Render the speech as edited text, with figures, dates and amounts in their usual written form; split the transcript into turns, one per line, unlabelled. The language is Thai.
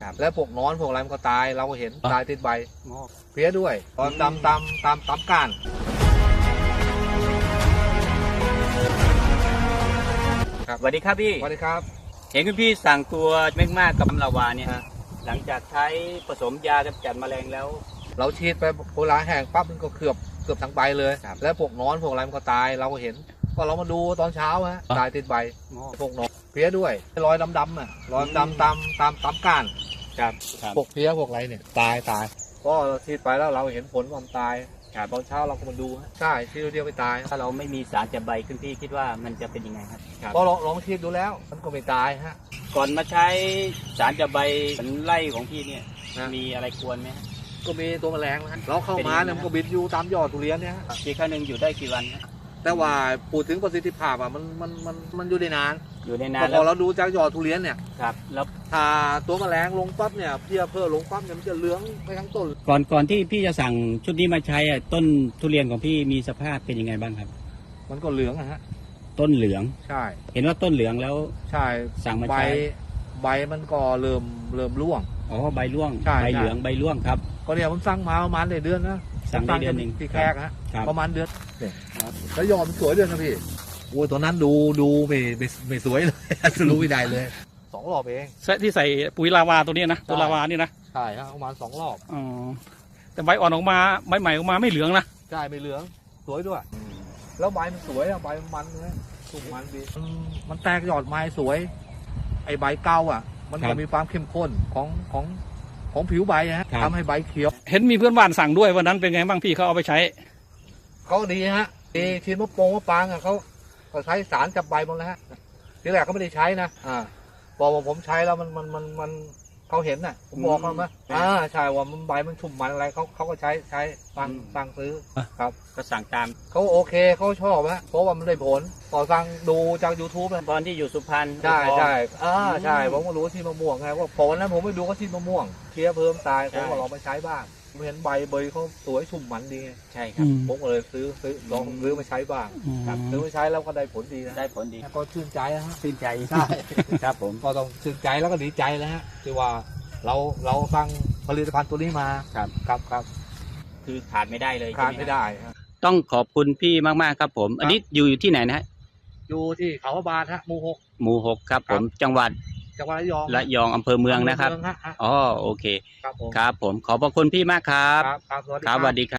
และพวกนอนพวกอะไรมันก็ตายเราก็เห็นตายติดใบเพี้ยด้วยตอนตามก้าน
สวัสดีครับพี่
สวัสดีครับ
เห็นคุณพี่สั่งตัวเมกมากกับลาวาเนี่ยหลังจากใช้ผสมยากำจัดแมลงแล้ว
เราฉีดไปโบราณแห้งปั๊บมันก็เกือบทั้งใบเลยแล้วพวกนอนพวกอะไรมันก็ตายเราก็เห็นก็เรามาดูตอนเช้าตายติดใบพวกนอนเพี้ยด้วยรอยดำรอยดำตามก้านพวกเพี้ยพวกอะไรเนี่ยตายก็เราฉีดไปแล้วเราเห็นผลความตายตอนเช้าเราก็มาดูใช่ฉีดเดียวไม่ตาย
ถ้าเราไม่มีสารจับใบคุณพี่คิดว่ามันจะเป็นยังไงครับ
ก็ลองฉีดดูแล้วมันก็ไม่ตาย
ก่อนมาใช้สารจับใบไล่ของพี่เนี่ยมีอะไรควรไหม
ก็มีตัวแมลงเราเข้ามาเนี่ยมันก็บินอยู่ตามยอดทุเรียนเนี่ย
ฉีดครั้งหนึ่งอยู่ได้กี่วัน
แต่ว่าพูดถึงประสิทธิภาพมันอยู่ได้นานพอเราดูจากยอดทุเรียนเนี่ย
แล้ว
ถ้าตัวแมลงลงปั๊บเนี่ยเพี้ยเพิ่มลงปั๊บเนี่ยมันจะเหลืองไปทั้งต้น
ก่อนที่พี่จะสั่งชุดนี้มาใช้ต้นทุเรียนของพี่มีสภาพเป็นยังไงบ้างครับ
มันก็เหลือง
ต้นเหลือง
ใช่
เห็นว่าต้นเหลืองแล้ว
ใช่
สั่งมาใช้
ใบมันก็เริ่มร่วง
ใบร่วงใบเหลืองใบร่วงครับ
ก็เนี่ยผมสั่งมาประมาณเดือนนะ
สั่งได้เดือนหนึ่ง
ที่แขกประมาณเดือนแล้วยอดมันสวยเดือนนะพี่โอ้ยตัวนั้นดูไม่สวยเลยรู้ไม่ได้เลย2 รอบเอง
ที่ใส่ปุ๋ยลาวาตัวนี้นะตัวลาวานี่นะ
ใช่ครับประมาณ2 รอบ
แต่ใบอ่อนออกมาใบใหม่ออกมาไม่เหลืองนะ
ใช่ไม่เหลืองสวยด้วยแล้วใบมันสวยใบมันเลยสุกมันดีมันแตกยอดไม้สวยไอใบเก่ามันจะมีความเข้มข้นของผิวใบทำให้ใบเขียว
เห็นมีเพื่อนบ้านสั่งด้วยวันนั้นเป็นไงบ้างพี่เขาเอาไปใช้
เขาดีทีมะปางเขาใช้สารจับใบหมดแล้วทีแรกเขาไม่ได้ใช้นะพอผมใช้แล้วมันเขาเห็นผมบอกเขาไหมใช่ว่ามันใบมันชุ่มมันอะไรเขาก็ใช้สั่งซื้อครับ
ก็สั่งตาม
เขาโอเคเขาชอบเพราะว่ามันได้ผลพอสั่งดูจาก YouTube
ตอนที่อยู่สุพรรณ
ใช่ใช่ผมก็รู้ที่มะม่วงไงว่าผลนั้นผมไปดูก็ที่มะม่วงเคี้ยเพิ่มตายผมก็ลองไปใช้บ้างเห็นใบเขาสวยชุ่มมันดี
ใช่ครับ
ผมก็เลยลองซื้อมาใช้บ้างซื้อมาใช้แล้วก็ได้ผลดีนะ
ได้ผลดี
ก็ชื่นใจ
ชื่นใจ
ใช่
ครับผม
ก็ต้องชื่นใจแล้วก็ดีใจแล้วที่ว่าเราสั่งผลิตภัณฑ์ตัวนี้มาครับ
คือขาดไม่ได้เลย
ขาดไม่ได้
ต้องขอบคุณพี่มากๆครับผมอันนี้อยู่ที่ไหนนะ
อยู่ที่เขาพระบาทห
มู่ 6ครับผมจังหวัดระยองอำเภอเมืองนะครับโอเคครับผมขอบพระคุณพี่มากครับ
ส
วัสดีครับ